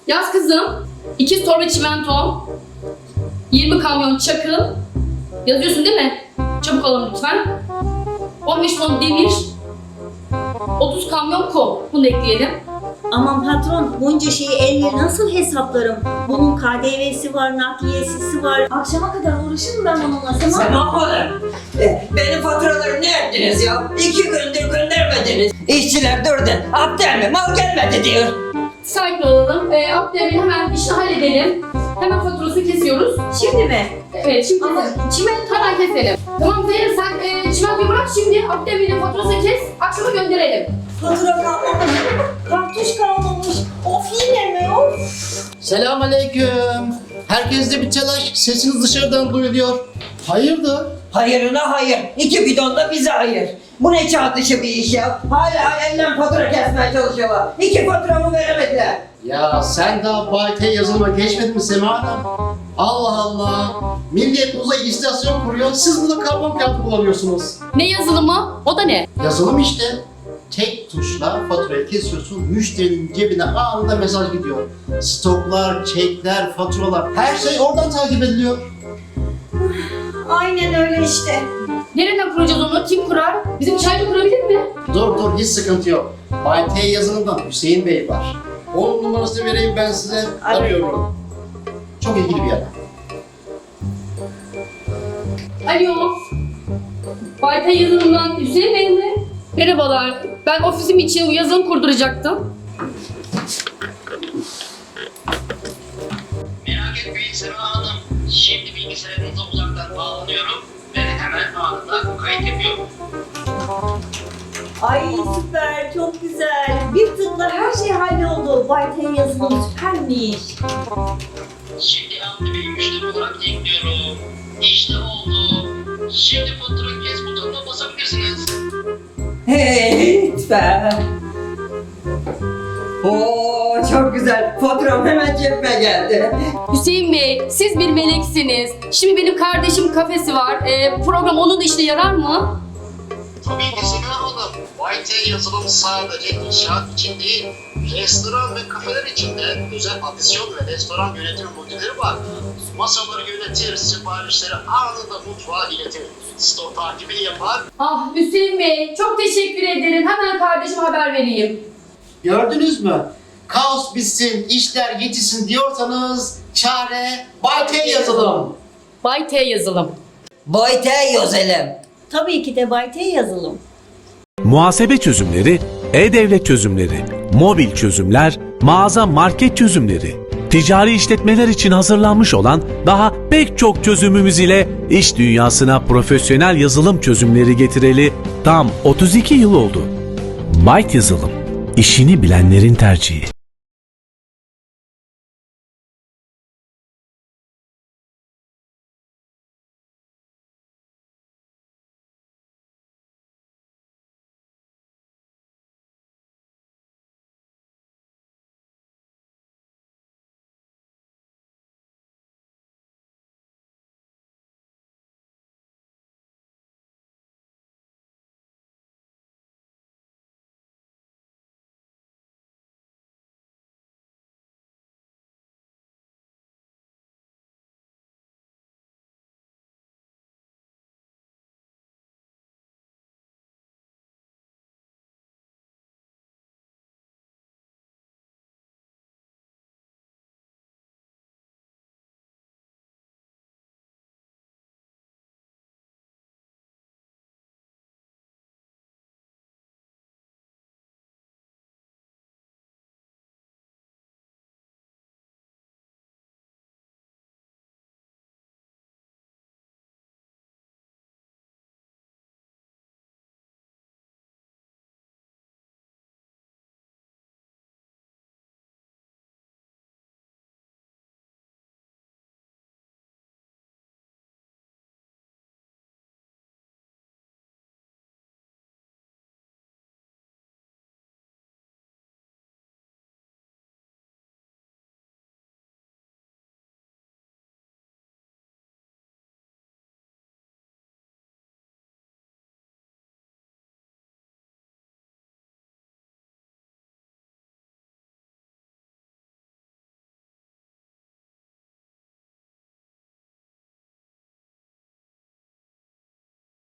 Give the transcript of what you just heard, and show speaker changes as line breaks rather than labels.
Yaz kızım. 2 torba çimento. 20 kamyon çakıl. Yazıyorsun değil mi? Çabuk alın lütfen. 15 ton demir. 30 kamyon kum. Bunu da ekleyelim.
Aman patron, bunca şeyi elle nasıl hesaplarım? Bunun KDV'si var, nakliyesi var. Akşama kadar uğraşırım ben onunla.
Sema Hanım, benim faturaları ne ettiniz ya? 2 gündür göndermediniz. İşçiler durdu, Abdel mi mal gelmedi diyor.
Sakin olalım. Abdülhamid'i hemen işini halledelim. Hemen faturasını kesiyoruz.
Şimdi mi?
Evet, şimdi
Ama
çimento hemen keselim. Tamam Zeynep, sen çimentoyu bırak şimdi. Abdülhamid'in faturasını kes. Akşama gönderelim.
Fatura kalmamış, kartuş kalmamış. Of yine mi? Of.
Selamünaleyküm. Herkeste bir telaş. Sesiniz dışarıdan duyuluyor. Hayırdır?
Hayırına hayır, 2 bidon da bize hayır. Bu ne çağ dışı bir iş ya? Hala elden fatura kesmeye çalışıyorlar. 2 faturamı veremediler.
Ya sen daha Bayte yazılıma geçmedin mi Sema Hanım? Allah Allah. Millet uzay istasyon kuruyor. Siz burada karbon kağıdı kullanıyorsunuz.
Ne yazılımı? O da ne?
Yazılım işte. Tek tuşla faturayı kesiyorsun. Müşterinin cebine anında mesaj gidiyor. Stoklar, çekler, faturalar. Her şey oradan takip ediliyor.
Aynen öyle işte.
Nereden kuracağız onu? Kim kurar? Bizim çaycı kurabilir mi?
Dur hiç sıkıntı yok. Bayte yazılımdan Hüseyin Bey var. Onun numarasını vereyim ben size. Arıyorum. Çok ilgili bir adam.
Alo. Bayta yazılımdan Hüseyin Bey mi? Merhabalar. Ben ofisim için yazılım kurduracaktım.
Merak etmeyin Sema Hanım. Şimdi bilgisayarınıza uzaktan bağlanıyorum ve hemen anında kayıt yapıyorum.
Ay süper, çok güzel. Bir tıkla her şey halloldu. Bayten yazılım süpermiş.
Şimdi Hamdi Bey'i müşteri olarak ekliyorum. İşte oldu. Şimdi fatura kes butonuna basabilirsiniz.
Hey, lütfen. Oo, çok güzel. Faturam hemen cebime geldi.
Hüseyin Bey, siz bir meleksiniz. Şimdi benim kardeşim kafesi var. Program onun da işine yarar mı?
Tabii ki Sema Hanım. YT yazılım sadece inşaat için değil, restoran ve kafeler için de özel adisyon ve restoran yönetim modülleri var. Masaları yönetir, siparişleri anında mutfağa iletir. Stok takibini yapar.
Ah Hüseyin Bey, çok teşekkür ederim. Hemen kardeşime haber vereyim.
Gördünüz mü? Kaos bitsin, işler yetişsin diyorsanız çare Bayte yazılım.
Bay T yazılım.
Boyte yazalım.
Tabii ki de Bayten yazılım.
Muhasebe çözümleri, e-devlet çözümleri, mobil çözümler, mağaza market çözümleri, ticari işletmeler için hazırlanmış olan daha pek çok çözümümüz ile iş dünyasına profesyonel yazılım çözümleri getireli tam 32 yıl oldu. Byte Yazılım, işini bilenlerin tercihi.